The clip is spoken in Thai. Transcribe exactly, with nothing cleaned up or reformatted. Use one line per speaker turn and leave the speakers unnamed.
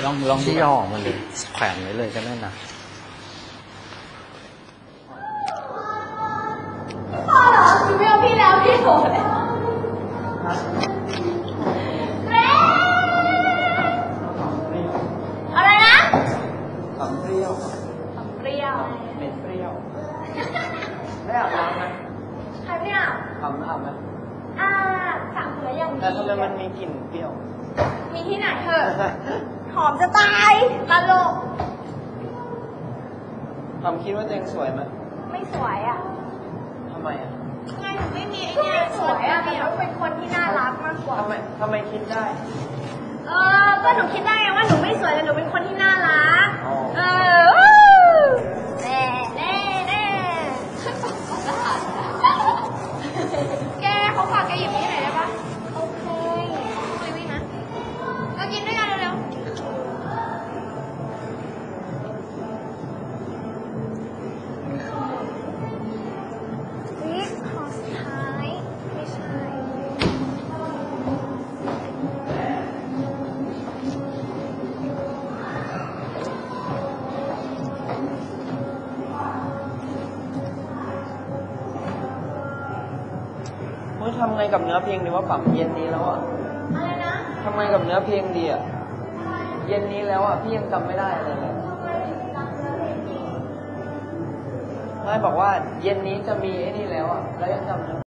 ลองลอง
ที่ย่อออกมาเลยแขวนไว้เลยก็ได้นะ
พ่อเหรอคือไม่เอาพี่แล้วพี่โหดอะไรนะ
ขำเปรี้ยว
เปรี้ยว
เหม็นเปรี้ยวได้อาบน้ำไหม
ใครไม่อาบ
อาบอาบไหม
อ่าสามคนแล้วยัง
แต่ทำไมมันมีกลิ่นเปรี้ยว
มีที่ไหนเถอะหอมจะตายตลก
ทำคิดว่าตัวเองสวยไหม
ไม่สวยอ่ะ
ทำไมอ่ะ
ไงหนูไม่มีไอ้เนี่ยสวยอ่ะแต่หนูเป็นคนที่น่ารักมากกว่า
ทำไมทำไมคิดได้
เออก็หนูคิดได้ไงว่าหนูไม่สวยแต่หนูเป็นคนที่น่ารัก
อ๋อ
เออแน่แน่แน่แกเขาฝากแกหยิบนี่หน่อยได้ปะโอเคคุยวิ่งนะเรากินด้วยกันเร็วๆวิขอสุดท้ายไม่ใช่
เฮ้ยทำไงกับเนื้อเพลงดีว่าปรับเย็นนี้แล้วอ่ะ
อะไรนะ
ทำไงกับเนื้อเพลงดีอ่ะ เย็นนี้แล้วอ่ะพี่ยังจำไม่ได้อะไรเลยไม่บอกว่าเย็นนี้จะมีไอ้นี่แล้วอ่ะแล้วยังจำเนื้อ